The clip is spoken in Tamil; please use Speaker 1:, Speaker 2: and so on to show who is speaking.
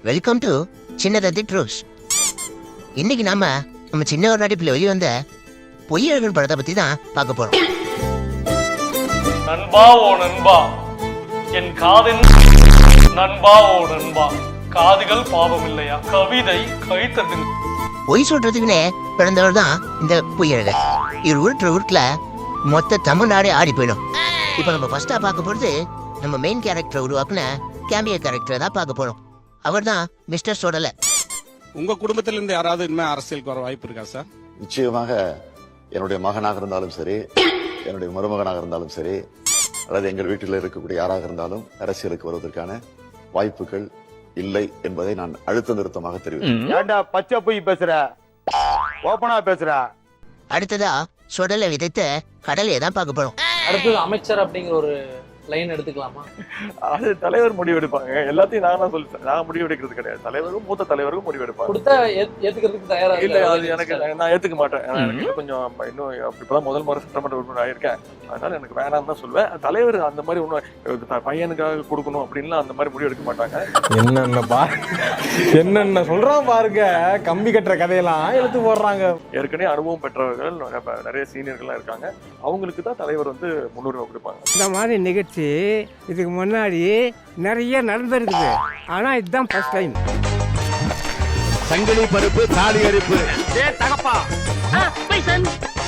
Speaker 1: Welcome to சின்னதத்தி truce. இன்னைக்கு நம்ம சின்ன ஒரு நடிப்பில் வெளிவந்த பொய்யழகன் படத்தை பத்தி தான் பார்க்க போறோம்.
Speaker 2: நண்பா ஓ நண்பா, என் காதின் நண்பா ஓ நண்பா, காதுகள் பாவம் இல்லையா, கவிதை கைத்தது.
Speaker 1: பொய் சொல்றதுக்குன்னே பிறந்தவர் தான் இந்த பொய்யழகன். இவர் உருட்டுல மொத்த தமிழ்நாடே ஆடி போயிடும். இப்ப நம்ம ஃபர்ஸ்டா பார்க்க போறது நம்ம மெயின் கேரக்டரை உருவாக்குன கேமியோ கேரக்டரை தான் பார்க்க போறோம். அவர் தான் மிஸ்டர் சோடலை.
Speaker 3: உங்க குடும்பத்தில இருந்து யாராவது இனிமே அரசியலுக்கு வர வாய்ப்பு இருக்கா சார்?
Speaker 4: நிச்சயமாக என்னுடைய மகனாக இருந்தாலும் சரி, என்னுடைய மருமகனாக இருந்தாலும் சரி, அல்லது எங்கள் வீட்டில் இருக்கக்கூடிய யாராக இருந்தாலும் அரசியலுக்கு வருவதற்கான வாய்ப்புகள் இல்லை என்பதை நான் அழுத்த நிறுத்தமாக தெரிவித்தேன்.
Speaker 5: ஏண்டா பச்சை போய் பேசுற, ஓபனா பேசுற.
Speaker 1: அடுத்ததா சுடலை விதைத்த கடலையை தான் பார்க்க போறோம்.
Speaker 6: அடுத்தது அமைச்சர் அப்படிங்கிற ஒரு லைன் எடுத்துக்கலாமா?
Speaker 2: அது தலைவர் முடிவெடுப்பாங்க. எல்லாத்தையும் நான் சொல்லிட்டேன், நான் முடிவெடுக்கிறது கிடையாது. தலைவரும் மூத்த தலைவரும் முடிவெடுப்பாங்க.
Speaker 6: கொடுத்தா ஏத்துக்கிறதுக்கு தயாரா
Speaker 2: இல்ல, அது எனக்கு நான் ஏத்துக்க மாட்டேன். எனக்கு கொஞ்சம் இன்னும் இப்பதான் முதல் முறை சட்டமன்ற உறுப்பினர் ஆயிருக்கேன். அதனால எனக்கு வேணாம் தான் சொல்லுவேன். தலைவர் அந்த மாதிரி ஒன்னும் பையனுக்காக கொடுக்கணும் அப்படின்லாம் அந்த மாதிரி முடிவு எடுக்க மாட்டாங்க.
Speaker 7: என்னென்ன சொல்றான் பாருங்க, கம்பி கட்டுற கதையெல்லாம் எடுத்து போடுறாங்க.
Speaker 2: ஏற்கனவே அனுபவம் பெற்றவர்கள் நிறைய சீனியர்கள்லாம் இருக்காங்க. அவங்களுக்கு தான் தலைவர் முன்னுரிமை கொடுப்பாங்க.
Speaker 8: இந்த மாதிரி நிகழ்ச்சி இதுக்கு முன்னாடி நிறைய நடந்திருக்குது. ஆனா இதுதான் ஃபர்ஸ்ட் டைம்.
Speaker 5: சங்கிலி பருப்பு தாலி அரிப்பு.
Speaker 9: தகப்பா